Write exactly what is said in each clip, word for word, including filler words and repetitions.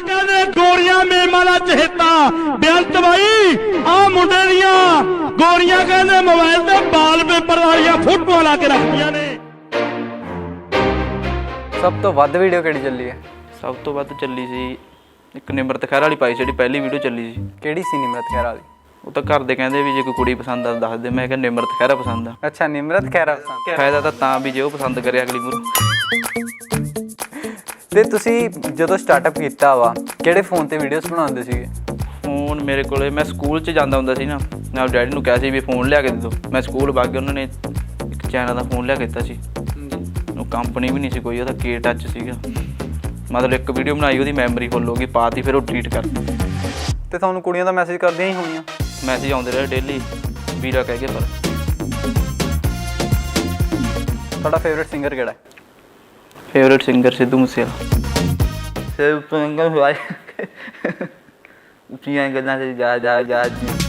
ਕਹਿੰਦੇ ਗੋਰੀਆਂ ਮੇਮਾਂ ਦਾ ਚਹੇਤਾ ਬੇਅੰਤ ਬਾਈ ਆ ਮੁੰਡੇ ਦੀਆਂ ਗੋਰੀਆਂ ਕਹਿੰਦੇ ਮੋਬਾਈਲ ਤੇ ਵਾਲ ਪੇਪਰ ਵਾਲੀਆਂ ਫੋਟੋਆਂ ਲਾ ਕੇ ਰੱਖਦੀਆਂ ਨੇ। ਸਭ ਤੋਂ ਵੱਧ ਵੀਡੀਓ ਕਿਹੜੀ ਚੱਲੀ ਹੈ? ਸਭ ਤੋਂ ਵੱਧ ਚੱਲੀ ਸੀ ਇੱਕ ਨਿਮਰਤ ਖਹਿਰਾ ਵਾਲੀ ਪਾਈ, ਜਿਹੜੀ ਪਹਿਲੀ ਵੀਡੀਓ ਚੱਲੀ ਸੀ। ਕਿਹੜੀ ਸੀ ਨਿਮਰਤ ਖਹਿਰਾ ਵਾਲੀ? ਉਹ ਤਾਂ ਘਰ ਦੇ ਕਹਿੰਦੇ ਵੀ ਜੇ ਕੋਈ ਕੁੜੀ ਪਸੰਦ ਆ ਦੱਸ ਦੇ। ਮੈਂ ਕਿਹਾ ਨਿਮਰਤ ਖਹਿਰਾ ਪਸੰਦ ਆ। ਅੱਛਾ, ਨਿਮਰਤ ਖਹਿਰਾ ਪਸੰਦ। ਫਾਇਦਾ ਤਾਂ ਤਾਂ ਵੀ ਜੇ ਉਹ ਪਸੰਦ ਕਰੇ ਅਗਲੀ ਮੂਹਰੋਂ। ਤੇ ਤੁਸੀਂ ਜਦੋਂ ਸਟਾਰਟਅਪ ਕੀਤਾ ਵਾ ਕਿਹੜੇ ਫੋਨ ਤੇ ਵੀਡੀਓਜ਼ ਬਣਾਉਂਦੇ ਸੀਗੇ? ਫੋਨ ਮੇਰੇ ਕੋਲੇ, ਮੈਂ ਸਕੂਲ 'ਚ ਜਾਂਦਾ ਹੁੰਦਾ ਸੀ ਨਾ, ਨਾਲ ਡੈਡੀ ਨੂੰ ਕਿਹਾ ਸੀ ਵੀ ਫੋਨ ਲਿਆ ਕੇ ਦੇ ਦਿਓ। ਮੈਂ ਸਕੂਲ ਵਗ ਗਿਆ, ਉਹਨਾਂ ਨੇ ਇੱਕ ਚਾਈਨਾ ਦਾ ਫੋਨ ਲਿਆ ਕੇ ਦਿੱਤਾ ਸੀ। ਉਹ ਕੰਪਨੀ ਵੀ ਨਹੀਂ ਸੀ ਕੋਈ, ਉਹਦਾ ਕੇ ਟੱਚ ਸੀਗਾ। ਮਤਲਬ ਇੱਕ ਵੀਡੀਓ ਬਣਾਈ, ਉਹਦੀ ਮੈਮਰੀ ਫੁੱਲ ਹੋ ਗਈ, ਪਾਤੀ, ਫਿਰ ਉਹ ਡਿਲੀਟ ਕਰਤੀ। ਤੇ ਤੁਹਾਨੂੰ ਕੁੜੀਆਂ ਦਾ ਮੈਸੇਜ ਕਰਦੀਆਂ ਹੀ ਹੋਣੀਆਂ? ਮੈਸੇਜ ਆਉਂਦੇ ਰਹੇ ਡੇਲੀ, ਵੀਰਾ ਕਹਿ ਕੇ। ਪਰ ਤੁਹਾਡਾ ਫੇਵਰੇਟ ਸਿੰਗਰ ਕਿਹੜਾ ਹੈ? Favourite singer Sidhu Moosewala. ਸਿਰ ਸਿੰਗਰ ਹੋਇਆ ਉੱਚੀਆਂ ਗੱਲਾਂ ਤੇ ਜਾ ਜਾ ਜਾ।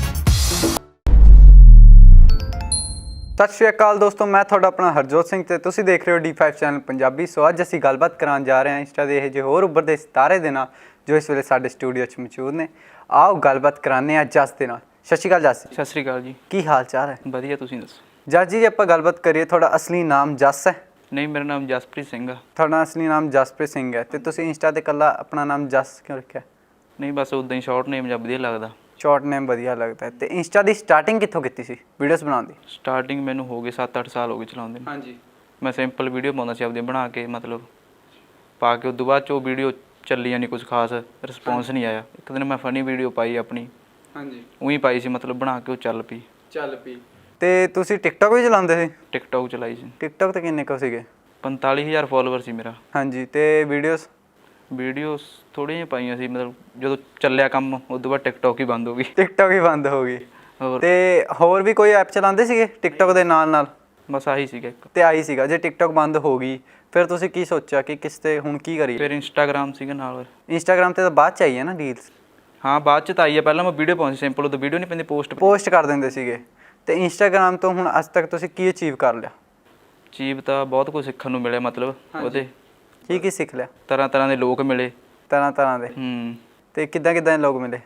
ਸਤਿ ਸ਼੍ਰੀ ਅਕਾਲ ਦੋਸਤੋ, ਮੈਂ ਤੁਹਾਡਾ ਆਪਣਾ ਹਰਜੋਤ ਸਿੰਘ ਤੇ ਤੁਸੀਂ ਦੇਖ ਰਹੇ ਹੋ D five channel Punjabi. So ਅੱਜ ਅਸੀਂ ਗੱਲਬਾਤ ਕਰਨ ਜਾ ਰਹੇ ਹਾਂ ਇੰਸਟਾ ਦੇ ਇਹ ਜਿਹੇ ਹੋਰ ਉੱਭਰਦੇ ਸਿਤਾਰੇ ਦੇ ਨਾਲ ਜੋ ਇਸ ਵੇਲੇ ਸਾਡੇ ਸਟੂਡੀਓ 'ਚ ਮੌਜੂਦ ਨੇ। ਆਓ ਗੱਲਬਾਤ ਕਰਾਉਂਦੇ ਹਾਂ ਜਸ ਦੇ ਨਾਲ। ਸਤਿ ਸ਼੍ਰੀ ਅਕਾਲ ਜਸ। ਸਤਿ ਸ਼੍ਰੀ ਅਕਾਲ ਜੀ। ਕੀ ਹਾਲ ਚਾਲ ਹੈ? ਵਧੀਆ, ਤੁਸੀਂ ਦੱਸੋ? ਜਸ ਜੀ, ਜੇ ਆਪਾਂ ਗੱਲਬਾਤ ਕਰੀਏ, ਤੁਹਾਡਾ ਅਸਲੀ ਨਾਮ ਜਸ ਹੈ? ਨਹੀਂ, ਮੇਰਾ ਨਾਮ ਜਸਪ੍ਰੀਤ ਸਿੰਘ ਆ। ਤੁਹਾਡਾ ਅਸਲੀ ਨਾਮ ਜਸਪ੍ਰੀਤ ਸਿੰਘ ਹੈ ਤੇ ਤੁਸੀਂ ਇੰਸਟਾ ਤੇ ਇਕੱਲਾ ਆਪਣਾ ਨਾਮ ਜਸ ਕਿਉਂ ਰੱਖਿਆ? ਨਹੀਂ, ਬਸ ਉੱਦਾਂ ਹੀ ਸ਼ਾਰਟ ਨੇਮ ਜਾਂ ਵਧੀਆ ਲੱਗਦਾ। ਸ਼ਾਰਟ ਨੇਮ ਵਧੀਆ ਲੱਗਦਾ ਹੈ। ਤੇ ਇੰਸਟਾ ਦੀ ਸਟਾਰਟਿੰਗ ਕਿੱਥੋਂ ਕੀਤੀ ਸੀ ਵੀਡੀਓਜ਼ ਬਣਾਉਣ ਦੀ? ਸਟਾਰਟਿੰਗ ਮੈਨੂੰ ਹੋ ਗਏ ਸੱਤ ਅੱਠ ਸਾਲ ਹੋ ਗਏ ਚਲਾਉਂਦੇ ਨੂੰ। ਹਾਂਜੀ। ਮੈਂ ਸਿੰਪਲ ਵੀਡੀਓ ਪਾਉਂਦਾ ਸੀ ਆਪਦੀ ਬਣਾ ਕੇ, ਮਤਲਬ ਪਾ ਕੇ। ਉਦੋਂ ਬਾਅਦ 'ਚ ਉਹ ਵੀਡੀਓ ਚੱਲੀ ਨਹੀਂ, ਕੁਝ ਖਾਸ ਰਿਸਪੌਂਸ ਨਹੀਂ ਆਇਆ। ਇੱਕ ਦਿਨ ਮੈਂ ਫਨੀ ਵੀਡੀਓ ਪਾਈ ਆਪਣੀ। ਹਾਂਜੀ। ਉਹੀ ਪਾਈ ਸੀ, ਮਤਲਬ ਬਣਾ ਕੇ, ਉਹ ਚੱਲ ਪਈ। ਚੱਲ ਪਈ। ਤੇ ਤੁਸੀਂ ਟਿਕਟੋਕ ਵੀ ਚਲਾਉਂਦੇ ਸੀ? ਟਿਕਟੋਕ ਚਲਾਈ ਸੀ। ਟਿਕਟੋਕ ਤੇ ਕਿੰਨੇ ਕੁ ਸੀਗੇ? ਪੰਤਾਲੀ ਹਜ਼ਾਰ ਫੋਲੋਵਰ ਸੀ ਮੇਰਾ। ਹਾਂਜੀ। ਤੇ ਵੀਡੀਓਜ਼? ਵੀਡੀਓਜ਼ ਥੋੜ੍ਹੀਆਂ ਜਿਹੀਆਂ ਪਾਈਆਂ ਸੀ, ਮਤਲਬ ਜਦੋਂ ਚੱਲਿਆ ਕੰਮ ਉਦੋਂ ਬਾਅਦ ਟਿਕਟੋਕ ਹੀ ਬੰਦ ਹੋ ਗਈ। ਟਿਕਟੋਕ ਹੀ ਬੰਦ ਹੋ ਗਈ। ਹੋਰ? ਤੇ ਹੋਰ ਵੀ ਕੋਈ ਐਪ ਚਲਾਉਂਦੇ ਸੀਗੇ ਟਿਕਟੋਕ ਦੇ ਨਾਲ ਨਾਲ? ਬਸ ਆਹੀ ਸੀਗਾ ਇੱਕ। ਤੇ ਆਹੀ ਸੀਗਾ। ਜੇ ਟਿਕਟੋਕ ਬੰਦ ਹੋ ਗਈ ਫਿਰ ਤੁਸੀਂ ਕੀ ਸੋਚਿਆ ਕਿ ਕਿਸ ਤੇ ਹੁਣ ਕੀ ਕਰੀਏ? ਫਿਰ ਇੰਸਟਾਗ੍ਰਾਮ ਸੀਗਾ ਨਾਲ। ਇੰਸਟਾਗ੍ਰਾਮ ਤੇ ਤਾਂ ਬਾਅਦ ਚ ਆਈ ਹੈ ਨਾ ਰੀਲਸ? ਹਾਂ, ਬਾਅਦ 'ਚ ਤਾਂ ਆਈ ਹੈ। ਪਹਿਲਾਂ ਮੈਂ ਵੀਡੀਓ ਪਾਉਂਦੀ ਸਿੰਪਲ, ਉਦੋਂ ਵੀਡੀਓ ਨਹੀਂ ਪੈਂਦੀ, ਪੋਸਟ ਪੋਸਟ ਕਰ ਦਿੰਦੇ ਸੀਗੇ। ਤੇ ਇੰਸਟਾਗ੍ਰਾਮ ਤੋਂ ਹੁਣ ਅੱਜ ਤੱਕ ਤੁਸੀਂ ਕੀ ਅਚੀਵ ਕਰ ਲਿਆ? ਅਚੀਵ ਤਾਂ ਬਹੁਤ ਕੁਝ ਸਿੱਖਣ ਨੂੰ ਮਿਲਿਆ, ਮਤਲਬ ਉਹਦੇ ਕੀ ਕੀ ਸਿੱਖ ਲਿਆ? ਤਰ੍ਹਾਂ ਤਰ੍ਹਾਂ ਦੇ ਲੋਕ ਮਿਲੇ। ਤਰ੍ਹਾਂ ਤਰ੍ਹਾਂ ਦੇ? ਹੂੰ। ਤੇ ਕਿੱਦਾਂ ਕਿੱਦਾਂ ਦੇ ਲੋਕ ਮਿਲੇ?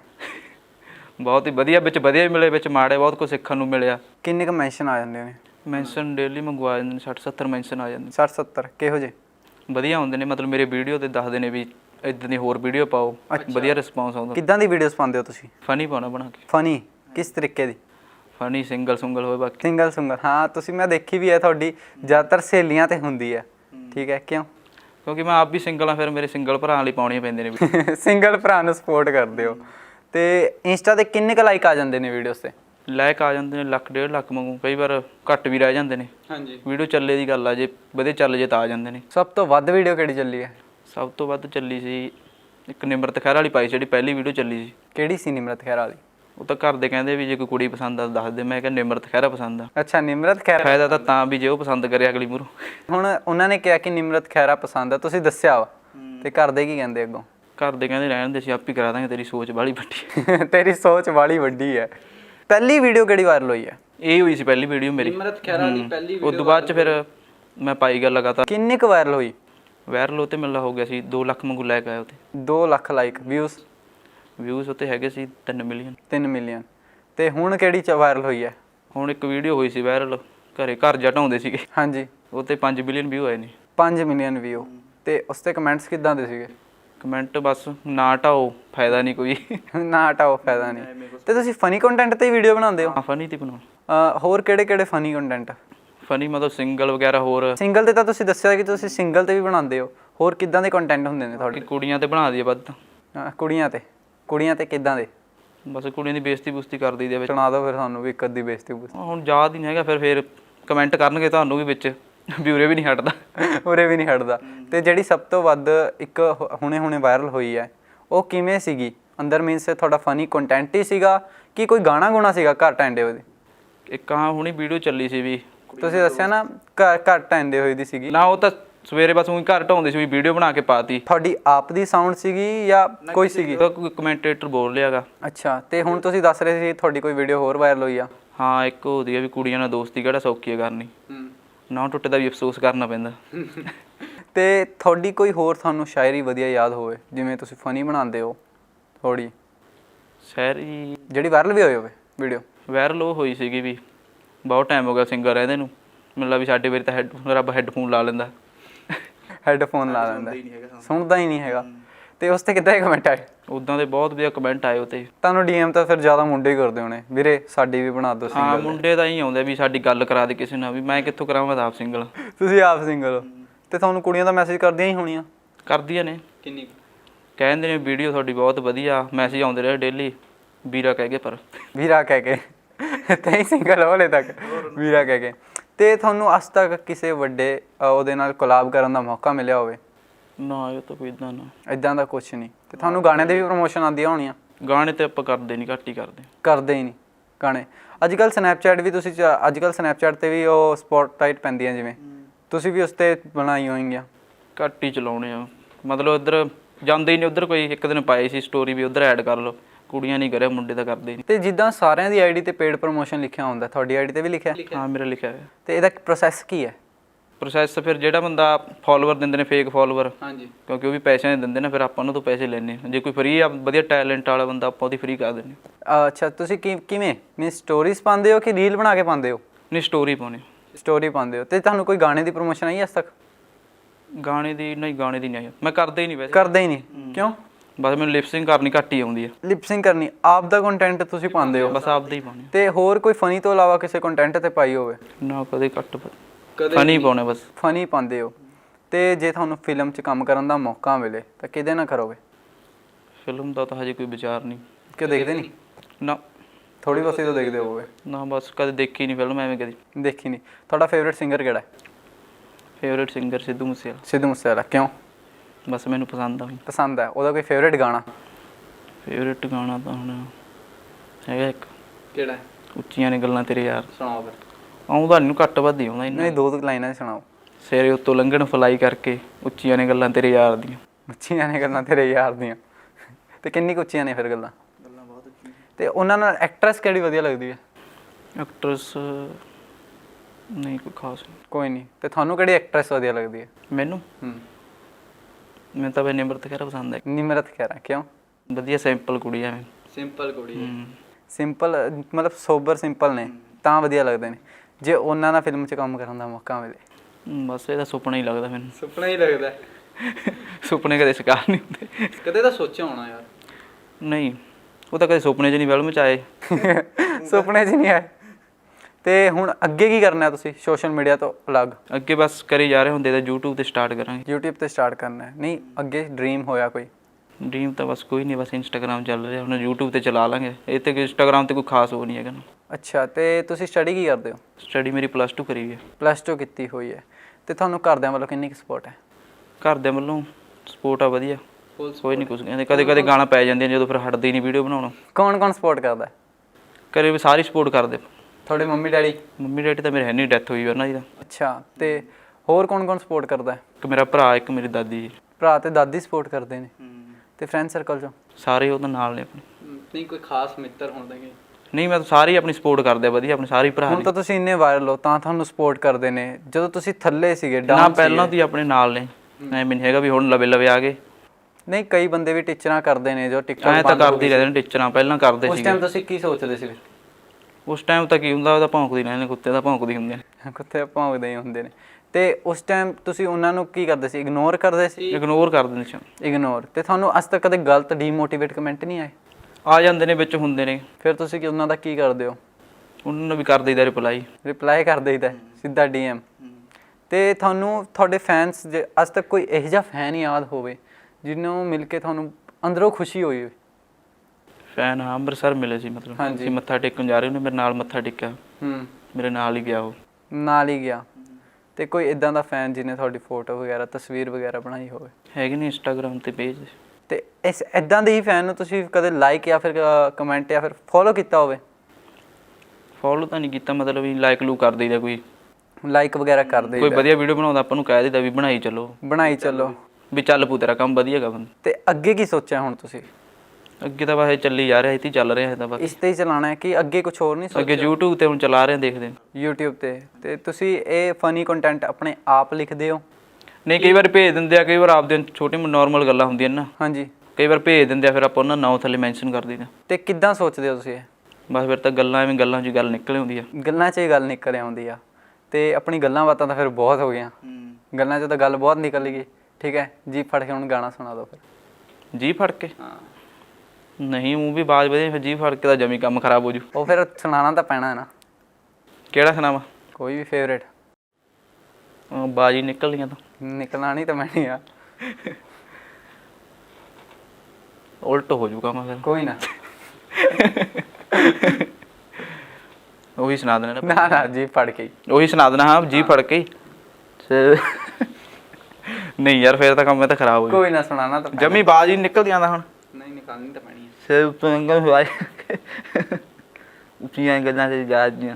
ਬਹੁਤ ਹੀ ਵਧੀਆ, ਵਿੱਚ ਵਧੀਆ ਵੀ ਮਿਲੇ, ਵਿੱਚ ਮਾੜੇ। ਬਹੁਤ ਕੁਝ ਸਿੱਖਣ ਨੂੰ ਮਿਲਿਆ। ਕਿੰਨੇ ਕੁ ਮੈਂਸ਼ਨ ਆ ਜਾਂਦੇ ਨੇ? ਮੈਂਸ਼ਨ ਡੇਲੀ ਮੰਗਵਾ ਜਾਂਦੇ ਨੇ, ਸੱਠ ਸੱਤਰ ਮੈਂਸ਼ਨ ਆ ਜਾਂਦੇ। ਸੱਠ ਸੱਤਰ? ਕਿਹੋ ਜਿਹੇ? ਵਧੀਆ ਹੁੰਦੇ ਨੇ, ਮਤਲਬ ਮੇਰੇ ਵੀਡੀਓ ਤੇ ਦੱਸਦੇ ਨੇ ਵੀ ਇੱਦਾਂ ਦੀ ਹੋਰ ਵੀਡੀਓ ਪਾਓ, ਵਧੀਆ ਰਿਸਪੌਂਸ ਆਉਂਦਾ। ਕਿੱਦਾਂ ਦੀ ਵੀਡੀਓਜ਼ ਪਾਉਂਦੇ ਹੋ ਤੁਸੀਂ? ਫਨੀ ਪਾਉਣਾ ਬਣਾ ਕੇ। ਫਨੀ ਕਿਸ ਤਰੀਕੇ ਦੀ? ਫਨੀ ਸਿੰਗਲ ਸੁੰਗਲ ਹੋਏ ਬਾਕੀ। ਸਿੰਗਲ ਸੁੰਗਲ? ਹਾਂ, ਤੁਸੀਂ ਮੈਂ ਦੇਖੀ ਵੀ ਹੈ ਤੁਹਾਡੀ ਜ਼ਿਆਦਾਤਰ ਸਹੇਲੀਆਂ ਤੇ ਹੁੰਦੀ ਹੈ। ਠੀਕ ਹੈ, ਕਿਉਂ? ਕਿਉਂਕਿ ਮੈਂ ਆਪ ਵੀ ਸਿੰਗਲ ਆ, ਫਿਰ ਮੇਰੇ ਸਿੰਗਲ ਭਰਾਵਾਂ ਲਈ ਪਾਉਣੀਆਂ ਪੈਂਦੀਆਂ ਨੇ। ਸਿੰਗਲ ਭਰਾ ਨੂੰ ਸਪੋਰਟ ਕਰਦੇ ਹੋ। ਤੇ ਇੰਸਟਾ ਤੇ ਕਿੰਨੇ ਕੁ ਲਾਈਕ ਆ ਜਾਂਦੇ ਨੇ ਵੀਡੀਓਜ਼ ਤੇ? ਲਾਇਕ ਆ ਜਾਂਦੇ ਨੇ ਲੱਖ ਡੇਢ ਲੱਖ ਵਾਂਗੂ, ਕਈ ਵਾਰ ਘੱਟ ਵੀ ਰਹਿ ਜਾਂਦੇ ਨੇ। ਹਾਂਜੀ। ਵੀਡੀਓ ਚੱਲੇ ਦੀ ਗੱਲ ਆ, ਜੇ ਵਧੀਆ ਚੱਲ ਜੇ ਤਾਂ ਆ ਜਾਂਦੇ ਨੇ। ਸਭ ਤੋਂ ਵੱਧ ਵੀਡੀਓ ਕਿਹੜੀ ਚੱਲੀ ਹੈ? ਸਭ ਤੋਂ ਵੱਧ ਚੱਲੀ ਸੀ ਇੱਕ ਨਿਮਰਤ ਖਹਿਰਾ ਵਾਲੀ ਪਾਈ, ਜਿਹੜੀ ਪਹਿਲੀ ਵੀਡੀਓ ਚੱਲੀ ਸੀ। ਕਿਹੜੀ ਸੀ ਨਿਮਰਤ ਖਹਿਰਾ ਵਾਲੀ? ਉਹ ਤਾਂ ਘਰ ਦੇ ਕਹਿੰਦੇ ਵੀ ਜੇ ਕੋਈ ਕੁੜੀ ਪਸੰਦ ਆ ਦੱਸ ਦੇ। ਮੈਂ ਕਿਹਾ ਨਿਮਰਤ ਖਹਿਰਾ ਪਸੰਦ ਆ। ਅੱਛਾ, ਨਿਮਰਤ ਖਹਿਰਾ। ਫਾਇਦਾ ਤਾਂ ਤਾਂ ਵੀ ਜੇ ਉਹ ਪਸੰਦ ਕਰੇ ਅਗਲੀ ਮੂਹਰੋਂ। ਹੁਣ ਉਹਨਾਂ ਨੇ ਕਿਹਾ ਕਿ ਨਿਮਰਤ ਖਹਿਰਾ ਪਸੰਦ ਆ, ਤੁਸੀਂ ਦੱਸਿਆ ਵਾ, ਤੇ ਘਰ ਦੇ ਕੀ ਕਹਿੰਦੇ ਅੱਗੋਂ? ਘਰ ਦੇ ਕਹਿੰਦੇ ਰਹਿਣ ਦੇ, ਅਸੀਂ ਆਪ ਹੀ ਕਰਾ ਦਾਂਗੇ, ਤੇਰੀ ਸੋਚ ਬਾਹਲੀ ਵੱਡੀ। ਤੇਰੀ ਸੋਚ ਵਾਲੀ ਵੱਡੀ ਹੈ। ਪਹਿਲੀ ਵੀਡੀਓ ਕਿਹੜੀ ਵਾਇਰਲ ਹੋਈ ਹੈ? ਇਹ ਹੋਈ ਸੀ ਪਹਿਲੀ ਵੀਡੀਓ ਮੇਰੀ, ਨਿਮਰਤ ਖਹਿਰਾ ਦੀ ਪਹਿਲੀ ਵੀਡੀਓ। ਉਸ ਤੋਂ ਬਾਅਦ 'ਚ ਫਿਰ ਮੈਂ ਪਾਈ ਗਿਆ ਲਗਾਤਾਰ। ਕਿੰਨੀ ਕੁ ਵਾਇਰਲ ਹੋਈ? ਵਾਇਰਲ ਉਹ 'ਤੇ ਮਿਲਣਾ ਹੋ ਗਿਆ ਸੀ ਦੋ ਲੱਖ ਵਾਂਗੂ ਲਾਇਕ ਆਇਆ ਉੱਤੇ। ਦੋ ਲੱਖ ਲਾਈਕ? ਵਿਊਜ਼? ਵਿਊਜ਼ ਉੱਤੇ ਹੈਗੇ ਸੀ ਤਿੰਨ ਮਿਲੀਅਨ। ਤਿੰਨ ਮਿਲੀਅਨ। ਤੇ ਹੁਣ ਕਿਹੜੀ ਚ ਵਾਇਰਲ ਹੋਈ ਹੈ? ਹੁਣ ਇੱਕ ਵੀਡੀਓ ਹੋਈ ਸੀ ਵਾਇਰਲ, ਘਰੇ ਘਰ ਜਟਾਉਂਦੇ ਸੀਗੇ। ਹਾਂਜੀ। ਉਹ 'ਤੇ ਪੰਜ ਬਿਲੀਅਨ ਵਿਊ ਆਏ ਨੇ। ਪੰਜ ਮਿਲੀਅਨ ਵਿਊ। ਤੇ ਉਸ 'ਤੇ ਕਮੈਂਟਸ ਕਿੱਦਾਂ ਦੇ ਸੀਗੇ? ਕਮੈਂਟ ਬਸ ਨਾ ਹਟਾਓ, ਫਾਇਦਾ ਨਹੀਂ ਕੋਈ। ਨਾ ਹਟਾਓ, ਫਾਇਦਾ ਨਹੀਂ। ਤੇ ਤੁਸੀਂ ਫਨੀ ਕੰਟੈਂਟ ਤੇ ਹੀ ਵੀਡੀਓ ਬਣਾਉਂਦੇ ਹੋ? ਹਾਂ, ਫਨੀ ਤੇ ਬਣਾਉ। ਹੋਰ ਕਿਹੜੇ ਕਿਹੜੇ ਫਨੀ ਕੰਟੈਂਟ? ਫਨੀ ਮਤਲਬ ਸਿੰਗਲ ਵਗੈਰਾ। ਹੋਰ ਸਿੰਗਲ ਤੇ ਤਾਂ ਤੁਸੀਂ ਦੱਸਿਆ ਕਿ ਤੁਸੀਂ ਸਿੰਗਲ ਤੇ ਵੀ ਬਣਾਉਂਦੇ ਹੋ। ਹੋਰ ਕਿੱਦਾਂ ਦੇ ਕੰਟੈਂਟ ਹੁੰਦੇ ਨੇ ਤੁਹਾਡੇ? ਕੁੜੀਆਂ ਤੇ ਬਣਾ ਦਈਏ ਵੱਧ ਤਾਂ। ਕੁੜੀਆਂ ਤੇ? ਕੁੜੀਆਂ ਤੇ ਕਿੱਦਾਂ ਦੇ? ਬਸ ਕੁੜੀਆਂ ਦੀ ਬੇਇੱਜ਼ਤੀ ਬੁਸਤੀ ਕਰ ਦਈਦੀ ਵਿੱਚ। ਸੁਣਾ ਦਿਓ ਫਿਰ ਸਾਨੂੰ ਵੀ ਇੱਕ ਅੱਧੀ ਬੇਇੱਜ਼ਤੀ ਬੁਸਤੀ। ਹੁਣ ਯਾਦ ਹੀ ਨਹੀਂ ਹੈਗਾ, ਫਿਰ ਫਿਰ ਕਮੈਂਟ ਕਰਨਗੇ ਤੁਹਾਨੂੰ ਵੀ ਵਿੱਚ, ਵੀ ਉਰੇ ਵੀ ਨਹੀਂ ਹਟਦਾ। ਉਰੇ ਵੀ ਨਹੀਂ ਹਟਦਾ। ਤੇ ਜਿਹੜੀ ਸਭ ਤੋਂ ਵੱਧ ਇੱਕ ਹੁਣੇ ਹੁਣੇ ਵਾਇਰਲ ਹੋਈ ਹੈ ਉਹ ਕਿਵੇਂ ਸੀਗੀ? ਅੰਦਰ ਮੀਨਸ ਤੁਹਾਡਾ ਫਨੀ ਕੰਟੈਂਟ ਹੀ ਸੀਗਾ ਕਿ ਕੋਈ ਗਾਣਾ ਗੁਣਾ ਸੀਗਾ ਘਰ ਟੈਂਡੇ ਉਹਦੇ? ਇੱਕ ਹਾਂ ਹੁਣੀ ਵੀਡੀਓ ਚੱਲੀ ਸੀ ਵੀ, ਤੁਸੀਂ ਦੱਸਿਆ ਨਾ ਘਰ ਘਰ ਟੈਂਡੇ ਹੋਈ ਦੀ ਸੀਗੀ ਨਾ। ਉਹ ਤਾਂ ਸਵੇਰੇ ਬਸ ਉਹੀ ਘਰ ਢਾਉਂਦੇ ਸੀ, ਵੀ ਵੀਡੀਓ ਬਣਾ ਕੇ ਪਾਤੀ। ਤੁਹਾਡੀ ਆਪ ਦੀ ਸਾਊਂਡ ਸੀਗੀ ਜਾਂ ਕੋਈ ਸੀਗੀ? ਕੋਈ ਕਮੈਂਟੇਟਰ ਬੋਲ ਲਿਆਗਾ। ਅੱਛਾ। ਤੇ ਹੁਣ ਤੁਸੀਂ ਦੱਸ ਰਹੇ ਸੀ ਤੁਹਾਡੀ ਕੋਈ ਵੀਡੀਓ ਹੋਰ ਵਾਇਰਲ ਹੋਈ ਆ? ਹਾਂ, ਇੱਕ ਉਹਦੀ ਆ ਵੀ ਕੁੜੀਆਂ ਨਾਲ ਦੋਸਤੀ ਕਿਹੜਾ ਸੌਖੀ ਆ ਕਰਨੀ, ਨਾ ਟੁੱਟੇ ਦਾ ਵੀ ਅਫਸੋਸ ਕਰਨਾ ਪੈਂਦਾ। ਤੇ ਤੁਹਾਡੀ ਕੋਈ ਹੋਰ ਤੁਹਾਨੂੰ ਸ਼ਾਇਰੀ ਵਧੀਆ ਯਾਦ ਹੋਵੇ ਜਿਵੇਂ ਤੁਸੀਂ ਫਨੀ ਬਣਾਉਂਦੇ ਹੋ ਥੋੜੀ ਸ਼ਾਇਰੀ ਜਿਹੜੀ ਵਾਇਰਲ ਵੀ ਹੋਈ ਹੋਵੇ ਵੀਡੀਓ? ਵਾਇਰਲ ਉਹ ਹੋਈ ਸੀਗੀ ਵੀ ਬਹੁਤ ਟਾਈਮ ਹੋ ਗਿਆ ਸਿੰਗਰ ਇਹਦੇ ਨੂੰ, ਮਤਲਬ ਵੀ ਸਾਡੇ ਵਾਰੀ ਤਾਂ ਹੈਡ ਰੱਬ ਹੈੱਡਫੋਨ ਲਾ ਲੈਂਦਾ, ਹੈੱਡਫੋਨ ਲਾ ਲੈਂਦਾ, ਸੁਣਦਾ ਹੀ ਨਹੀਂ ਹੈਗਾ। ਤੇ ਉਸ ਤੇ ਕਿੱਦਾਂ ਕਮੈਂਟ ਆਏ? ਉੱਦਾਂ ਦੇ ਬਹੁਤ ਵਧੀਆ ਕਮੈਂਟ ਆਏ ਉੱਤੇ। ਤੁਹਾਨੂੰ ਡੀਐਮ ਤਾਂ ਫਿਰ ਜ਼ਿਆਦਾ ਮੁੰਡੇ ਹੀ ਕਰਦੇ ਹੋਣੇ, ਵੀਰੇ ਸਾਡੀ ਵੀ ਬਣਾ ਦਿਓ ਹਾਂ ਸਿੰਗਲ। ਮੁੰਡੇ ਤਾਂ ਹੀ ਆਉਂਦੇ ਵੀ ਸਾਡੀ ਗੱਲ ਕਰਾ ਦੇ ਕਿਸੇ ਨਾਲ, ਵੀ ਮੈਂ ਕਿੱਥੋਂ ਕਰਾਵਾਂ, ਮੈਂ ਤਾਂ ਆਪ ਸਿੰਗਲ। ਤੁਸੀਂ ਆਪ ਸਿੰਗਲ ਹੋ ਤੇ ਤੁਹਾਨੂੰ ਕੁੜੀਆਂ ਦਾ ਮੈਸੇਜ ਕਰਦੀਆਂ ਹੀ ਹੋਣੀਆਂ? ਕਰਦੀਆਂ ਨੇ, ਕਿੰਨੀ? ਕਹਿੰਦੇ ਨੇ ਵੀਡੀਓ ਤੁਹਾਡੀ ਬਹੁਤ ਵਧੀਆ, ਮੈਸੇਜ ਆਉਂਦੇ ਰਹੇ ਡੇਲੀ, ਵੀਰਾ ਕਹਿ ਕੇ। ਪਰ ਵੀਰਾ ਕਹਿ ਕੇ ਤੈਂ ਸਿੰਗਲ ਹੋਲੇ ਤੱਕ ਵੀਰਾ ਕਹਿ ਕੇ। ਤੇ ਤੁਹਾਨੂੰ ਅੱਜ ਤੱਕ ਕਿਸੇ ਵੱਡੇ ਉਹਦੇ ਨਾਲ ਕੋਲਾਬ ਕਰਨ ਦਾ ਮੌਕਾ ਮਿਲਿਆ ਹੋਵੇ? ਨਾ ਇਹ ਤਾਂ ਕੋਈ ਇੱਦਾਂ ਨਾ, ਇੱਦਾਂ ਦਾ ਕੁਛ ਨਹੀਂ। ਤੇ ਤੁਹਾਨੂੰ ਗਾਣੇ ਦੀ ਵੀ ਪ੍ਰਮੋਸ਼ਨ ਆਉਂਦੀਆਂ ਹੋਣੀਆਂ? ਗਾਣੇ ਤੇ ਆਪਾਂ ਕਰਦੇ ਨਹੀਂ, ਘੱਟ ਹੀ ਕਰਦੇ ਕਰਦੇ ਹੀ ਨਹੀਂ ਗਾਣੇ। ਅੱਜ ਕੱਲ੍ਹ ਸਨੈਪਚੈਟ ਵੀ ਤੁਸੀਂ ਅੱਜ ਕੱਲ੍ਹ ਸਨੈਪਚੈਟ 'ਤੇ ਵੀ ਉਹ ਸਪੋਟਲਾਈਟ ਪੈਂਦੀਆਂ, ਜਿਵੇਂ ਤੁਸੀਂ ਵੀ ਉਸ 'ਤੇ ਬਣਾਈ ਹੋਈਆਂ? ਘੱਟ ਹੀ ਚਲਾਉਣੇ ਆ, ਮਤਲਬ ਉੱਧਰ ਜਾਂਦੇ ਹੀ ਨਹੀਂ। ਉੱਧਰ ਕੋਈ ਇੱਕ ਦਿਨ ਪਾਈ ਸੀ ਸਟੋਰੀ ਵੀ ਉੱਧਰ ਐਡ ਕਰ ਲਓ, ਕੁੜੀਆਂ ਨਹੀਂ ਕਰਿਆ, ਮੁੰਡੇ ਤਾਂ ਕਰਦੇ ਨਹੀਂ। ਤੇ ਜਿੱਦਾਂ ਸਾਰਿਆਂ ਦੀ ਆਈਡੀ ਤੇ ਪੇਡ ਪ੍ਰਮੋਸ਼ਨ ਲਿਖਿਆ ਹੁੰਦਾ, ਤੁਹਾਡੀ ਆਈਡੀ ਤੇ ਵੀ ਲਿਖਿਆ? ਹਾਂ ਮੇਰਾ ਲਿਖਿਆ ਹੋਇਆ। ਤੇ ਇਹਦਾ ਪ੍ਰੋਸੈਸ ਕੀ ਹੈ? ਪ੍ਰੋਸੈਸ ਫਿਰ ਜਿਹੜਾ ਬੰਦਾ ਫੋਲੋਵਰ ਦਿੰਦੇ ਨੇ, ਫੇਕ ਫੋਲੋਵਰ, ਹਾਂਜੀ, ਕਿਉਂਕਿ ਉਹ ਵੀ ਪੈਸਿਆਂ ਦੇ ਦਿੰਦੇ ਨੇ, ਫਿਰ ਆਪਾਂ ਉਹਨਾਂ ਤੋਂ ਪੈਸੇ ਲੈਣੇ। ਜੇ ਕੋਈ ਫ੍ਰੀ ਆ ਵਧੀਆ ਟੈਲੈਂਟ ਵਾਲਾ ਬੰਦਾ, ਆਪਾਂ ਉਹਦੀ ਫ੍ਰੀ ਕਰ ਦਿੰਦੇ। ਅੱਛਾ, ਤੁਸੀਂ ਕੀ ਕਿਵੇਂ ਮੀਨ ਸਟੋਰੀਜ਼ ਪਾਉਂਦੇ ਹੋ ਕਿ ਰੀਲ ਬਣਾ ਕੇ ਪਾਉਂਦੇ ਹੋ? ਨਹੀਂ ਸਟੋਰੀ ਪਾਉਣੀ। ਸਟੋਰੀ ਪਾਉਂਦੇ ਹੋ। ਤੇ ਤੁਹਾਨੂੰ ਕੋਈ ਗਾਣੇ ਦੀ ਪ੍ਰਮੋਸ਼ਨ ਆਈ ਅੱਜ ਤੱਕ? ਗਾਣੇ ਦੀ ਨਹੀਂ, ਗਾਣੇ ਦੀ ਨਹੀਂ ਆਈ, ਮੈਂ ਕਰਦਾ ਹੀ ਨਹੀਂ ਵੈਸੇ। ਕਰਦੇ ਹੀ ਨਹੀਂ? ਕਿਉਂ? ਬਸ ਮੈਨੂੰ ਲਿਪਸਿੰਗ ਕਰਨੀ ਘੱਟ ਹੀ ਆਉਂਦੀ ਆ। ਲਿਪਸਿੰਗ ਕਰਨੀ ਆਪ ਦਾ ਕੰਟੈਂਟ ਤੁਸੀਂ ਪਾਉਂਦੇ ਹੋ? ਬਸ ਆਪਦਾ ਹੀ ਪਾਉਣੀ। ਤੇ ਹੋਰ ਕੋਈ ਫਨੀ ਤੋਂ ਇਲਾਵਾ ਕਿਸੇ ਕੰਟੈਂਟ ਤੇ ਪਾਈ ਹੋਵੇ? ਨਾ ਕਦੇ ਘੱਟ, ਫਨੀ ਪਾਉਣੇ ਬਸ। ਫਨੀ ਪਾਉਂਦੇ ਹੋ। ਤੇ ਜੇ ਤੁਹਾਨੂੰ ਫਿਲਮ 'ਚ ਕੰਮ ਕਰਨ ਦਾ ਮੌਕਾ ਮਿਲੇ ਤਾਂ ਕਿਹਦੇ ਨਾਲ ਕਰੋਗੇ? ਫਿਲਮ ਦਾ ਤਾਂ ਹਜੇ ਕੋਈ ਵਿਚਾਰ ਨਹੀਂ। ਕਿ ਦੇਖਦੇ ਨਹੀਂ? ਨਾ ਥੋੜੀ ਬਹੁਤੀ ਤਾਂ ਦੇਖਦੇ ਹੋਵੇ? ਨਾ ਬਸ ਕਦੇ ਦੇਖੀ ਨਹੀਂ ਫਿਲਮ ਐਵੇਂ ਕਦੀ। ਦੇਖੀ ਨਹੀਂ। ਤੁਹਾਡਾ ਫੇਵਰੇਟ ਸਿੰਗਰ ਕਿਹੜਾ ਹੈ? Favourite singer Sidhu Moosewala. ਸਿੱਧੂ ਮੂਸੇਵਾਲਾ। ਕਿਉਂ ਬਸ ਮੈਨੂੰ ਪਸੰਦ ਆ। ਪਸੰਦ ਹੈ? ਉਹਦਾ ਕੋਈ ਫੇਵਰੇਟ ਗਾਣਾ? ਫੇਵਰੇਟ ਗਾਣਾ ਤਾਂ ਹੁਣ ਹੈਗਾ ਇੱਕ। ਕਿਹੜਾ? ਉੱਚੀਆਂ ਨੇ ਗੱਲਾਂ ਤੇਰੇ ਯਾਰ। ਸੁਣਾਓ ਫਿਰ। ਆਉਂਦਾ ਨਹੀਂ, ਘੱਟ ਵੱਧ ਹੀ ਆਉਂਦਾ। ਨਹੀਂ, ਦੋ ਦੋ ਲਾਈਨਾਂ ਸੁਣਾਓ। ਸਵੇਰੇ ਉੱਤੋਂ ਲੰਘਣ ਫਲਾਈ ਕਰਕੇ, ਉੱਚੀਆਂ ਨੇ ਗੱਲਾਂ ਤੇਰੇ ਯਾਰ ਦੀਆਂ। ਉੱਚੀਆਂ ਨੇ ਗੱਲਾਂ ਤੇਰੇ ਯਾਰ ਦੀਆਂ। ਤੇ ਕਿੰਨੀ ਕੁ ਉੱਚੀਆਂ ਨੇ ਫਿਰ ਗੱਲਾਂ? ਗੱਲਾਂ ਬਹੁਤ ਉੱਚੀਆਂ। ਤੇ ਉਹਨਾਂ ਨਾਲ ਐਕਟਰੈਸ ਕਿਹੜੀ ਵਧੀਆ ਲੱਗਦੀ ਹੈ? ਐਕਟਰਸ ਨਹੀਂ ਕੋਈ ਖਾਸ। ਕੋਈ ਨਹੀਂ। ਤੇ ਤੁਹਾਨੂੰ ਕਿਹੜੀ ਐਕਟਰੈਸ ਵਧੀਆ ਲੱਗਦੀ ਹੈ? ਮੈਨੂੰ ਹੂੰ ਮੈਨੂੰ ਤਾਂ ਬਈ ਨਿਮਰਤ ਖਹਿਰਾ ਪਸੰਦ ਹੈ। ਨਿਮਰਤ ਖਹਿਰਾ। ਕਿਉਂ? ਵਧੀਆ ਸਿੰਪਲ ਕੁੜੀ ਐਵੇਂ। ਸਿੰਪਲ ਕੁੜੀ ਹੈ। ਹੂੰ ਸਿੰਪਲ ਮਤਲਬ ਸੋਬਰ ਸਿੰਪਲ ਨੇ ਤਾਂ ਵਧੀਆ ਲੱਗਦੇ ਨੇ। ਜੇ ਉਹਨਾਂ ਨਾਲ ਫਿਲਮ 'ਚ ਕੰਮ ਕਰਨ ਦਾ ਮੌਕਾ ਮਿਲੇ? ਬਸ ਇਹਦਾ ਸੁਪਨਾ ਹੀ ਲੱਗਦਾ ਮੈਨੂੰ। ਸੁਪਨਾ ਹੀ ਲੱਗਦਾ? ਸੁਪਨੇ ਕਦੇ ਸ਼ਿਕਾਰ ਨਹੀਂ ਹੁੰਦੇ। ਕਦੇ ਤਾਂ ਸੋਚਿਆ ਹੋਣਾ ਯਾਰ? ਨਹੀਂ, ਉਹ ਤਾਂ ਕਦੇ ਸੁਪਨੇ 'ਚ ਨਹੀਂ ਫਿਲਮ 'ਚ ਆਏ। ਸੁਪਨੇ 'ਚ ਨਹੀਂ ਆਏ। ਤੇ ਹੁਣ ਅੱਗੇ ਕੀ ਕਰਨਾ ਤੁਸੀਂ ਸੋਸ਼ਲ ਮੀਡੀਆ ਤੋਂ ਅਲੱਗ? ਅੱਗੇ ਬਸ ਕਰੀ ਜਾ ਰਹੇ ਹੁੰਦੇ ਤਾਂ YouTube ਤੇ ਸਟਾਰਟ ਕਰਾਂਗੇ। YouTube ਤੇ ਸਟਾਰਟ ਕਰਨਾ ਹੈ? ਨਹੀਂ ਅੱਗੇ ਡ੍ਰੀਮ ਹੋਇਆ ਕੋਈ? ਡ੍ਰੀਮ ਤਾਂ ਬਸ ਕੋਈ ਨਹੀਂ, ਬਸ ਇੰਸਟਾਗ੍ਰਾਮ ਚੱਲ ਰਿਹਾ ਹੁਣ, YouTube ਤੇ ਚਲਾ ਲਾਂਗੇ। ਇਹ ਤੇ ਇੰਸਟਾਗ੍ਰਾਮ ਤੇ ਕੋਈ ਖਾਸ ਹੋ ਨਹੀਂ ਹੈਗਾ ਨਾ। ਅੱਛਾ, ਤੇ ਤੁਸੀਂ ਸਟੱਡੀ ਕੀ ਕਰਦੇ ਹੋ? ਸਟੱਡੀ ਮੇਰੀ ਪਲੱਸ ਟੂ ਕਰੀ ਹੈ। ਪਲੱਸ ਟੂ ਕੀਤੀ ਹੋਈ ਹੈ। ਤੇ ਤੁਹਾਨੂੰ ਘਰਦਿਆਂ ਵੱਲੋਂ ਕਿੰਨੀ ਕੁ ਸਪੋਰਟ ਹੈ? ਘਰਦਿਆਂ ਵੱਲੋਂ ਸਪੋਰਟ ਆ ਵਧੀਆ, ਕੋਈ ਨਹੀਂ ਕੁਝ ਕਹਿੰਦੇ। ਕਦੇ ਕਦੇ ਗਾਣਾ ਪੈ ਜਾਂਦੀਆਂ ਜਦੋਂ, ਫਿਰ ਹਟਦੇ ਹੀ ਨਹੀਂ ਵੀਡੀਓ ਬਣਾਉਣਾ। ਕੌਣ ਕੌਣ ਸਪੋਰਟ ਕਰਦਾ? ਘਰੇ ਵੀ ਸਾਰੀ ਸਪੋਰਟ ਕਰਦੇ। ਤੁਹਾਡੇ ਮੰਮੀ ਡੈਡੀ? ਮੰਮੀ ਡੈਡੀ ਤਾਂ ਮੇਰੇ ਹੈ ਨਹੀਂ, ਡੈਥ ਹੋਈ ਉਹਨਾਂ ਦੀ ਤਾਂ। ਅੱਛਾ, ਤੇ ਹੋਰ ਕੌਣ ਕੌਣ ਸਪੋਰਟ ਕਰਦਾ? ਇੱਕ ਮੇਰਾ ਭਰਾ, ਇੱਕ ਮੇਰੀ ਦਾਦੀ ਜੀ। ਭਰਾ ਤੇ ਦਾਦੀ ਸਪੋਰਟ ਕਰਦੇ ਨੇ? ਤੇ ਫਰੈਂਡ ਸਰਕਲ 'ਚੋਂ? ਸਾਰੇ ਉਹਦੇ ਨਾਲ ਨੇ ਆਪਣੇ। ਨਹੀਂ ਕੋਈ ਖਾਸ ਮਿੱਤਰ ਹੁੰਦੇ? ਨਹੀਂ, ਮੈਂ ਤਾਂ ਸਾਰੇ ਆਪਣੀ ਸਪੋਰਟ ਕਰਦੇ ਆ ਵਧੀਆ, ਆਪਣੇ ਸਾਰੇ ਭਰਾ। ਹੁਣ ਤਾਂ ਤੁਸੀਂ ਇੰਨੇ ਵਾਇਰਲ ਹੋ ਤਾਂ ਤੁਹਾਨੂੰ ਸਪੋਰਟ ਕਰਦੇ ਨੇ। ਜਦੋਂ ਤੁਸੀਂ ਥੱਲੇ ਸੀਗੇ ਨਾ ਡਾਊਨ ਪਹਿਲਾਂ ਤੋਂ ਹੀ ਆਪਣੇ ਨਾਲ ਨੇ, ਐਵੇਂ ਨਹੀਂ ਹੈਗਾ ਵੀ ਹੁਣ ਲਵੇ ਲਵੇ ਆ ਗਏ। ਨਹੀਂ, ਕਈ ਬੰਦੇ ਵੀ ਟੀਚਰਾਂ ਕਰਦੇ ਨੇ ਜੋ ਟਿਕਟੌਕ ਐਂ ਤਾਂ ਕਰਦੇ ਹੀ ਰਹਿੰਦੇ ਨੇ ਟੀਚਰਾਂ, ਪਹਿਲਾਂ ਕਰਦੇ ਉਸ ਸੀਗੇ। ਟਾਈਮ ਤੁਸੀਂ ਕੀ ਸੋਚਦੇ ਸੀ? ਉਸ ਟਾਈਮ ਤਾਂ ਕੀ ਹੁੰਦਾ, ਉਹਦਾ ਭੌਂਕਦੀ ਰਹਿੰਦੇ, ਕੁੱਤੇ ਦਾ ਭੌਂਕਦੀ ਹੁੰਦੇ ਨੇ। ਕੁੱਤੇ ਭੌਂਕਦੇ ਹੀ ਹੁੰਦੇ ਨੇ। ਤੇ ਉਸ ਟਾਈਮ ਤੁਸੀਂ ਉਹਨਾਂ ਨੂੰ ਕੀ ਕਰਦੇ ਸੀ? ਇਗਨੋਰ ਕਰਦੇ ਸੀ? ਇਗਨੋਰ ਕਰ ਦਿੰਦੇ ਸੀ। ਇਗਨੋਰ। ਤੇ ਤੁਹਾਨੂੰ ਅੱਜ ਤੱਕ ਕਦੇ ਗਲਤ ਡੀਮੋਟੀਵੇਟ ਕਮੈਂਟ ਨਹੀਂ ਆਏ? ਆ ਜਾਂਦੇ ਨੇ, ਵਿੱਚ ਹੁੰਦੇ ਨੇ। ਫਿਰ ਤੁਸੀਂ ਕਿ ਉਹਨਾਂ ਦਾ ਕੀ ਕਰਦੇ ਹੋ? ਉਹਨਾਂ ਨੂੰ ਵੀ ਕਰ ਦਈਦਾ ਰਿਪਲਾਈ। ਰਿਪਲਾਈ ਕਰ ਦੇਈਦਾ ਸਿੱਧਾ ਡੀਐਮ? ਤੇ ਤੁਹਾਨੂੰ ਤੁਹਾਡੇ ਫੈਨਸ ਜੇ ਅੱਜ ਤੱਕ ਕੋਈ ਇਹੋ ਜਿਹਾ ਫੈਨ ਯਾਦ ਹੋਵੇ ਜਿਹਨੂੰ ਮਿਲ ਕੇ ਤੁਹਾਨੂੰ ਅੰਦਰੋਂ ਖੁਸ਼ੀ ਹੋਈ ਹੋਵੇ? ਫੈਨ ਹਾਂ, ਅੰਮ੍ਰਿਤਸਰ ਮਿਲੇ ਸੀ, ਮਤਲਬ ਹਾਂਜੀ। ਅਸੀਂ ਮੱਥਾ ਟੇਕਣ ਜਾ ਰਹੇ ਉਹਨੇ ਮੇਰੇ ਨਾਲ ਮੱਥਾ ਟੇਕਿਆ। ਹੂੰ, ਮੇਰੇ ਨਾਲ ਹੀ ਗਿਆ ਉਹ। ਨਾਲ ਹੀ ਗਿਆ। ਤੇ ਕੋਈ ਇਦਾਂ ਦਾ ਫੈਨ ਜਿਹਨੇ ਤੁਹਾਡੀ ਫੋਟੋ ਵਗੈਰਾ ਤਸਵੀਰ ਵਗੈਰਾ ਬਣਾਈ ਹੋਵੇ? ਹੈਗੇ ਨੇ ਇੰਸਟਾਗ੍ਰਾਮ ਤੇ ਪੇਜ। ਤੇ ਇਸ ਇਦਾਂ ਦੇ ਹੀ ਫੈਨ ਨੂੰ ਤੁਸੀਂ ਕਦੇ ਲਾਈਕ ਜਾਂ ਫਿਰ ਕਮੈਂਟ ਜਾਂ ਫਿਰ ਫੋਲੋ ਕੀਤਾ ਹੋਵੇ? ਫੋਲੋ ਤਾਂ ਨਹੀਂ ਕੀਤਾ, ਮਤਲਬ ਵੀ ਲਾਈਕ ਲੂ ਕਰ ਦਈਦਾ। ਕੋਈ ਲਾਈਕ ਵਗੈਰਾ ਕਰਦੇ? ਕੋਈ ਵਧੀਆ ਵੀਡੀਓ ਬਣਾਉਂਦਾ ਆਪਾਂ ਨੂੰ ਕਹਿ ਦਈਦਾ ਵੀ ਬਣਾਈ ਚੱਲੋ, ਬਣਾਈ ਚੱਲੋ, ਵੀ ਚੱਲ ਪੂ ਤੇਰਾ ਕੰਮ ਵਧੀਆ ਗਾ ਬੰਦਾ। ਤੇ ਅੱਗੇ ਕੀ ਸੋਚਿਆ ਹੁਣ ਤੁਸੀਂ? ਅੱਗੇ ਤਾਂ ਬਸ ਇਹ ਚੱਲੀ ਜਾ ਰਿਹਾ, ਇਹ ਤੇ ਚੱਲ ਰਿਹਾ ਤਾਂ ਬਸ। ਇਸ ਤੇ ਹੀ ਚਲਾਉਣਾ ਹੈ ਕਿ ਅੱਗੇ ਕੁਝ ਹੋਰ ਨਹੀਂ ਸੋਚਿਆ? ਅੱਗੇ YouTube ਤੇ ਹੁਣ ਚਲਾ ਰਹੇ, ਦੇਖਦੇ ਹਾਂ। YouTube ਤੇ। ਤੇ ਤੁਸੀਂ ਇਹ ਫਨੀ ਕੰਟੈਂਟ ਆਪਣੇ ਆਪ ਲਿਖਦੇ ਹੋ? ਨਹੀਂ ਕਈ ਵਾਰ ਭੇਜ ਦਿੰਦੇ ਆ, ਕਈ ਵਾਰ ਆਪਦੇ ਛੋਟੀ ਨਾਰਮਲ ਗੱਲਾਂ ਹੁੰਦੀਆਂ ਨੇ ਨਾ, ਹਾਂਜੀ ਕਈ ਵਾਰ ਭੇਜ ਦਿੰਦੇ ਆ, ਫਿਰ ਆਪਾਂ ਉਹਨਾਂ ਨਾਮ ਥੱਲੇ ਮੈਂਸ਼ਨ ਕਰ ਦਈਦਾ। ਤੇ ਕਿੱਦਾਂ ਸੋਚਦੇ ਹੋ ਤੁਸੀਂ ਇਹ? ਬਸ ਫਿਰ ਤਾਂ ਗੱਲਾਂ ਐਵੇਂ ਗੱਲਾਂ 'ਚ ਗੱਲ ਨਿਕਲ ਆਉਂਦੀ ਆ। ਗੱਲਾਂ 'ਚ ਹੀ ਗੱਲ ਨਿਕਲ ਆਉਂਦੀ ਆ ਤੇ ਆਪਣੀ ਗੱਲਾਂ ਬਾਤਾਂ ਤਾਂ ਫਿਰ ਬਹੁਤ ਹੋ ਗਈਆਂ, ਗੱਲਾਂ 'ਚ ਤਾਂ ਗੱਲ ਬਹੁਤ ਨਿਕਲ ਗਈ। ਠੀਕ ਹੈ ਜੀ, ਫੜ ਕੇ ਹੁਣ ਗਾਣਾ ਸੁਣਾ ਦਿਓ ਫਿਰ। ਜੀ ਫੜ ਕੇ? ਹਾਂ ਨਹੀਂ, ਉਹ ਵੀ ਬਾਜ ਵਧੀਆ, ਫਿਰ ਜੀ ਫੜ ਕੇ ਤਾਂ ਜਮੀ ਕੰਮ ਖਰਾਬ ਹੋ ਜੂ। ਉਹ ਫਿਰ ਸੁਣਾਉਣਾ ਤਾਂ ਪੈਣਾ ਹੈ ਨਾ। ਕਿਹੜਾ ਸੁਣਾਵਾਂ? ਕੋਈ ਵੀ ਫੇਵਰੇਟ। ਬਾਜ ਹੀ ਨਿਕਲਦੀਆਂ ਤਾਂ ਨਿਕਲਣਾ ਨਹੀਂ ਤਾਂ ਮੈਂ ਨਹੀਂ ਆ, ਉਲਟ ਹੋ ਜੂਗਾ ਮੈਂ ਫਿਰ। ਕੋਈ ਨਾ ਉਹੀ ਸੁਣਾ ਦੇਣਾ ਨਾ ਨਾ ਜੀ ਫੜ ਕੇ ਉਹੀ ਸੁਣਾ ਦੇਣਾ। ਹਾਂ ਜੀ ਫੜ ਕੇ ਨਹੀਂ ਯਾਰ, ਫਿਰ ਤਾਂ ਕੰਮ ਮੈਂ ਤਾਂ ਖਰਾਬ ਹੋ ਜੂ। ਕੋਈ ਨਾ ਸੁਣਾਣਾ ਤਾਂ ਜਮੀ ਬਾਜ ਹੀ ਨਿਕਲ ਜਾਂਦਾ ਹੁਣ। ਨਹੀਂ ਨਿਕਾਲਣੀ ਤਾਂ ਪੈਣੀ ਹੈ। ਸਿਰ ਪੰਗਾ ਹੋਇਆ ਉੱਚੀਆਂ ਗੱਲਾਂ ਤੇ ਜਾਦੀਆਂ।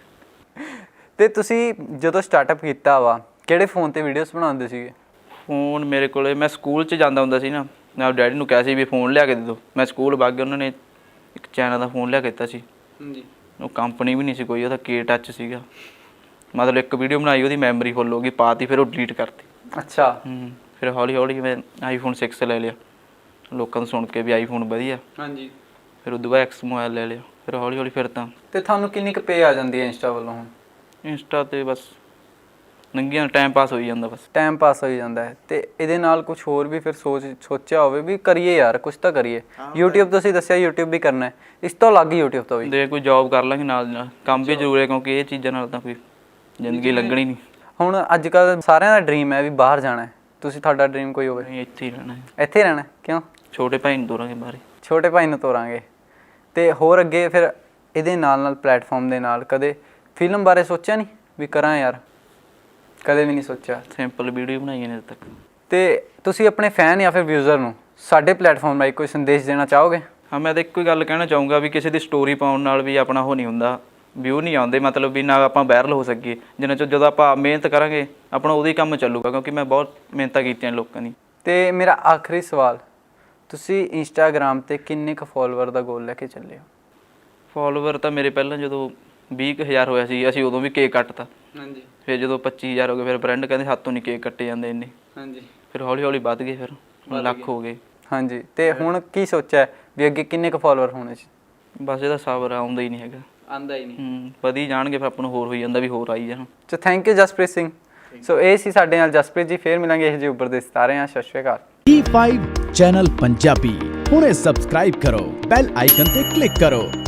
ਤੇ ਤੁਸੀਂ ਜਦੋਂ ਸਟਾਰਟਅਪ ਕੀਤਾ ਵਾ ਕਿਹੜੇ ਫੋਨ ਤੇ ਵੀਡੀਓਜ਼ ਬਣਾਉਂਦੇ ਸੀਗੇ? ਫੋਨ ਮੇਰੇ ਕੋਲੇ, ਮੈਂ ਸਕੂਲ 'ਚ ਜਾਂਦਾ ਹੁੰਦਾ ਸੀ ਨਾ, ਮੈਂ ਡੈਡੀ ਨੂੰ ਕਿਹਾ ਸੀ ਵੀ ਫੋਨ ਲਿਆ ਕੇ ਦੇ ਦਿਓ। ਮੈਂ ਸਕੂਲ ਵਗ ਗਿਆ, ਉਹਨਾਂ ਨੇ ਇੱਕ ਚਾਈਨਾ ਦਾ ਫੋਨ ਲਿਆ ਕੇ ਦਿੱਤਾ ਸੀ। ਹਾਂਜੀ। ਉਹ ਕੰਪਨੀ ਵੀ ਨਹੀਂ ਸੀ ਕੋਈ, ਉਹਦਾ ਕੇ ਟੱਚ ਸੀਗਾ। ਮਤਲਬ ਇੱਕ ਵੀਡੀਓ ਬਣਾਈ, ਉਹਦੀ ਮੈਮਰੀ ਫੁੱਲ ਹੋ ਗਈ, ਪਾਤੀ, ਫਿਰ ਉਹ ਡਿਲੀਟ ਕਰਤੀ। ਅੱਛਾ। ਹੂੰ ਫਿਰ ਹੌਲੀ ਹੌਲੀ ਮੈਂ ਆਈਫੋਨ ਸਿਕਸ ਲੈ ਲਿਆ, ਲੋਕਾਂ ਤੋਂ ਸੁਣ ਕੇ ਵੀ ਆਈਫੋਨ ਵਧੀਆ। ਹਾਂਜੀ। ਫਿਰ ਉਦੋਂ ਬਾਅਦ ਐਕਸ ਮੋਬਾਈਲ ਲੈ ਲਿਆ, ਫਿਰ ਹੌਲੀ ਹੌਲੀ ਫਿਰ ਤਾਂ। ਤੇ ਤੁਹਾਨੂੰ ਕਿੰਨੀ ਕੁ ਪੇ ਆ ਜਾਂਦੀ ਹੈ ਇੰਸਟਾ ਵੱਲੋਂ ਹੁਣ? ਇੰਸਟਾ ਤੇ ਬਸ ਨੰਗੀਆਂ ਟਾਈਮ ਪਾਸ ਹੋਈ ਜਾਂਦਾ, ਬਸ ਟਾਈਮ ਪਾਸ ਹੋਈ ਜਾਂਦਾ ਹੈ। ਤੇ ਇਹਦੇ ਨਾਲ ਕੁਝ ਹੋਰ ਵੀ ਫਿਰ ਸੋਚ ਸੋਚਿਆ ਹੋਵੇ ਵੀ ਕਰੀਏ ਯਾਰ, ਕੁਝ ਤਾਂ ਕਰੀਏ। YouTube ਤੁਸੀਂ ਦੱਸਿਆ YouTube ਵੀ ਕਰਨਾ ਹੈ, ਇਸ ਤੋਂ ਅਲੱਗ ਹੀ YouTube ਤੋਂ ਵੀ ਦੇ ਕੋਈ ਜੌਬ ਕਰ ਲਾਂਗੇ ਨਾਲ ਦੀ ਨਾਲ। ਕੰਮ ਵੀ ਜ਼ਰੂਰੀ ਹੈ, ਕਿਉਂਕਿ ਇਹ ਚੀਜ਼ਾਂ ਨਾਲ ਤਾਂ ਕੋਈ ਜ਼ਿੰਦਗੀ ਲੰਘਣੀ ਨਹੀਂ। ਹੁਣ ਅੱਜ ਕੱਲ੍ਹ ਸਾਰਿਆਂ ਦਾ ਡ੍ਰੀਮ ਹੈ ਵੀ ਬਾਹਰ ਜਾਣਾ ਹੈ, ਤੁਸੀਂ ਤੁਹਾਡਾ ਡ੍ਰੀਮ ਕੋਈ ਹੋਵੇ? ਨਹੀਂ, ਇੱਥੇ ਹੀ ਰਹਿਣਾ ਹੈ। ਇੱਥੇ ਹੀ ਰਹਿਣਾ? ਕਿਉਂ? ਛੋਟੇ ਭਾਈ ਨੂੰ ਤੋਰਾਂਗੇ ਬਾਹਰ। ਛੋਟੇ ਭਾਈ ਨੂੰ ਤੋਰਾਂਗੇ। ਤੇ ਹੋਰ ਅੱਗੇ ਫਿਰ ਇਹਦੇ ਨਾਲ ਨਾਲ ਪਲੇਟਫਾਰਮ ਦੇ ਨਾਲ ਕਦੇ ਫਿਲਮ ਬਾਰੇ ਸੋਚਿਆ ਨਹੀਂ ਵੀ ਕਰਾਂ ਯਾਰ? ਕਦੇ ਵੀ ਨਹੀਂ ਸੋਚਿਆ? ਸਿੰਪਲ ਵੀਡੀਓ ਬਣਾਈਆਂ ਨੇ ਅਜੇ ਤੱਕ। ਤੇ ਤੁਸੀਂ ਆਪਣੇ ਫੈਨ ਜਾਂ ਫਿਰ ਵਿਊਜ਼ਰ ਨੂੰ ਸਾਡੇ ਪਲੇਟਫਾਰਮ ਰਾਹੀਂ ਕੋਈ ਸੰਦੇਸ਼ ਦੇਣਾ ਚਾਹੋਗੇ? ਹਾਂ, ਮੈਂ ਤਾਂ ਇੱਕੋ ਹੀ ਗੱਲ ਕਹਿਣਾ ਚਾਹੂੰਗਾ ਵੀ ਕਿਸੇ ਦੀ ਸਟੋਰੀ ਪਾਉਣ ਨਾਲ ਵੀ ਆਪਣਾ ਉਹ ਨਹੀਂ ਹੁੰਦਾ, ਵਿਊ ਨਹੀਂ ਆਉਂਦੇ, ਮਤਲਬ ਵੀ ਨਾ ਆਪਾਂ ਵਾਇਰਲ ਹੋ ਸਕੀਏ। ਜਿੰਨਾ ਚਿਰ ਜਦੋਂ ਆਪਾਂ ਮਿਹਨਤ ਕਰਾਂਗੇ ਆਪਣਾ ਉਦੋਂ ਹੀ ਕੰਮ ਚੱਲੂਗਾ, ਕਿਉਂਕਿ ਮੈਂ ਬਹੁਤ ਮਿਹਨਤਾਂ ਕੀਤੀਆਂ ਲੋਕਾਂ ਦੀ। ਤੇ ਮੇਰਾ ਆਖਰੀ ਸਵਾਲ, ਤੁਸੀਂ ਇੰਸਟਾਗ੍ਰਾਮ 'ਤੇ ਕਿੰਨੇ ਕੁ ਫੋਲੋਵਰ ਦਾ ਗੋਲ ਲੈ ਕੇ ਚੱਲੇ ਹੋ? ਫੋਲੋਵਰ ਤਾਂ ਮੇਰੇ ਪਹਿਲਾਂ ਜਦੋਂ ਵੀਹ ਕੁ ਹਜ਼ਾਰ ਹੋਇਆ ਸੀ, ਅਸੀਂ ਉਦੋਂ ਵੀ ਕੇਕ ਕੱਟਤਾ। ਹਾਂਜੀ। ਫਿਰ ਜਦੋਂ ਪੱਚੀ ਹਜ਼ਾਰ ਹੋ ਗਏ, ਫਿਰ ਫਰੈਂਡ ਕਹਿੰਦੇ ਹੱਥੋਂ ਨਹੀਂ ਕੇਕ ਕੱਟੇ ਜਾਂਦੇ ਇੰਨੇ। ਹਾਂਜੀ। ਫਿਰ ਹੌਲੀ ਹੌਲੀ ਵੱਧ ਗਏ, ਫਿਰ ਹੁਣ ਲੱਖ ਹੋ ਗਏ। ਹਾਂਜੀ। ਤੇ ਹੁਣ ਕੀ ਸੋਚਿਆ ਵੀ ਅੱਗੇ ਕਿੰਨੇ ਕੁ ਫੋਲੋਵਰ ਹੋਣੇ ਸੀ? ਬਸ ਇਹਦਾ ਸਬਰ ਆਉਂਦਾ ਹੀ ਨਹੀਂ ਹੈਗਾ। ਆਉਂਦਾ ਹੀ ਨਹੀਂ। ਹੂੰ ਵਧੀ ਜਾਣਗੇ, ਫਿਰ ਆਪਾਂ ਨੂੰ ਹੋਰ ਹੋਈ ਜਾਂਦਾ ਵੀ ਹੋਰ ਆਈ ਜਾਣ। So thank you Jaspreet Singh. So ਇਹ ਸੀ ਸਾਡੇ ਨਾਲ ਜਸਪ੍ਰੀਤ ਜੀ। ਫੇਰ ਮਿਲਾਂਗੇ ਇਹ ਜਿਹੇ ਉੱਪਰ ਦੇ ਸਿਤਾਰੇ ਆ। ਸਤਿ ਸ਼੍ਰੀ ਅਕਾਲ। ਡੀ ਫਾਈਵ ਚੈਨਲ ਪੰਜਾਬੀ ਹੁਣੇ ਸਬਸਕ੍ਰਾਈਬ ਕਰੋ, ਬੈਲ ਆਈਕਨ ਤੇ ਕਲਿੱਕ ਕਰੋ।